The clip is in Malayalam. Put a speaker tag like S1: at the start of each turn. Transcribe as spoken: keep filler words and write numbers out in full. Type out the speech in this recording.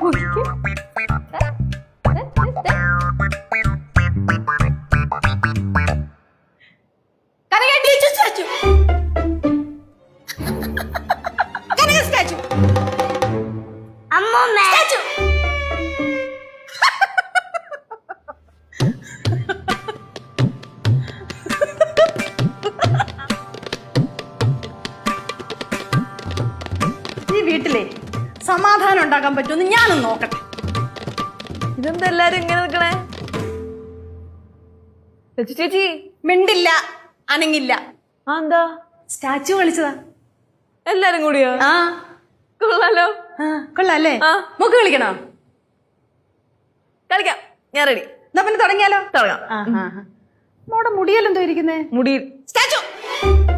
S1: വീട്ടിലെ സമാധാനം ഉണ്ടാക്കാൻ പറ്റുമെന്ന് ഞാനൊന്ന് നോക്കട്ടെ.
S2: ഇതെന്താ എല്ലാരും ഇങ്ങനെ നിൽക്കണേ? ചേച്ചി
S1: മിണ്ടില്ല, അനങ്ങില്ല.
S2: ആ എന്താ?
S1: സ്റ്റാച്ചു കളിച്ചതാ
S2: എല്ലാരും കൂടിയോ?
S1: ആ
S2: കൊള്ളാലോ.
S1: കൊള്ളാല്ലേ? മുക്ക് കളിക്കണോ?
S2: കളിക്കാം, ഞാൻ റെഡി.
S1: എന്നാ പിന്നെ തുടങ്ങിയാലോ?
S2: തുടങ്ങാം.
S1: മോടെ മുടിയല്ലോ എന്തോ ഇരിക്കുന്നേ?
S2: മുടി
S1: സ്റ്റാച്ചു